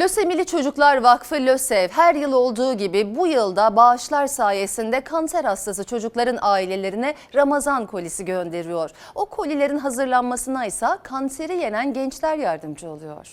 Lösemili Çocuklar Vakfı LÖSEV her yıl olduğu gibi bu yılda bağışlar sayesinde kanser hastası çocukların ailelerine Ramazan kolisi gönderiyor. O kolilerin hazırlanmasına ise kanseri yenen gençler yardımcı oluyor.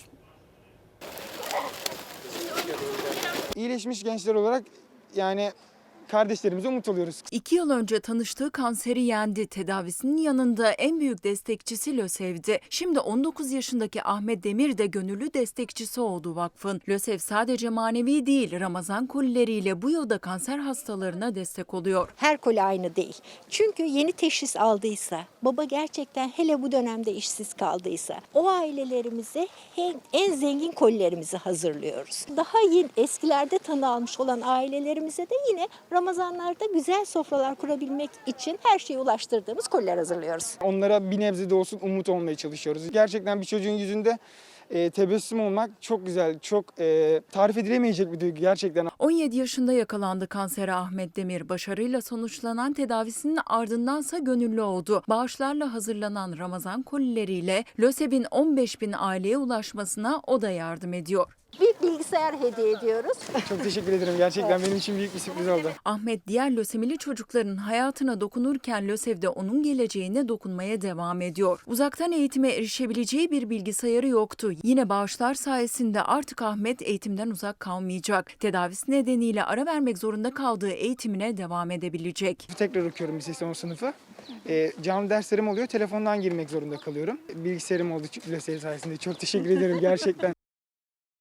İyileşmiş gençler olarak kardeşlerimize umut oluyoruz. 2 yıl önce tanıştığı kanseri yendi. Tedavisinin yanında en büyük destekçisi LÖSEV'di. Şimdi 19 yaşındaki Ahmet Demir de gönüllü destekçisi oldu vakfın. LÖSEV sadece manevi değil, Ramazan kolileriyle bu yılda kanser hastalarına destek oluyor. Her koli aynı değil. Çünkü yeni teşhis aldıysa, baba gerçekten hele bu dönemde işsiz kaldıysa, o ailelerimize en zengin kolilerimizi hazırlıyoruz. Daha yeni eskilerde tanı almış olan ailelerimize de yine Ramazanlarda güzel sofralar kurabilmek için her şeyi ulaştırdığımız koliler hazırlıyoruz. Onlara bir nebze de olsun umut olmaya çalışıyoruz. Gerçekten bir çocuğun yüzünde tebessüm olmak çok güzel, çok tarif edilemeyecek bir duygu gerçekten. 17 yaşında yakalandı kansere Ahmet Demir. Başarıyla sonuçlanan tedavisinin ardındansa gönüllü oldu. Bağışlarla hazırlanan Ramazan kolileriyle LÖSEV'in 15.000 aileye ulaşmasına o da yardım ediyor. Bir bilgisayar hediye ediyoruz. Çok teşekkür ederim. Gerçekten benim için büyük bir sürpriz oldu. Ahmet diğer lösemili çocukların hayatına dokunurken LÖSEV de onun geleceğine dokunmaya devam ediyor. Uzaktan eğitime erişebileceği bir bilgisayarı yoktu. Yine bağışlar sayesinde artık Ahmet eğitimden uzak kalmayacak. Tedavisi nedeniyle ara vermek zorunda kaldığı eğitimine devam edebilecek. Tekrar okuyorum lise son sınıfı. Canlı derslerim oluyor. Telefondan girmek zorunda kalıyorum. Bilgisayarım oldu LÖSEV sayesinde. Çok teşekkür ederim gerçekten.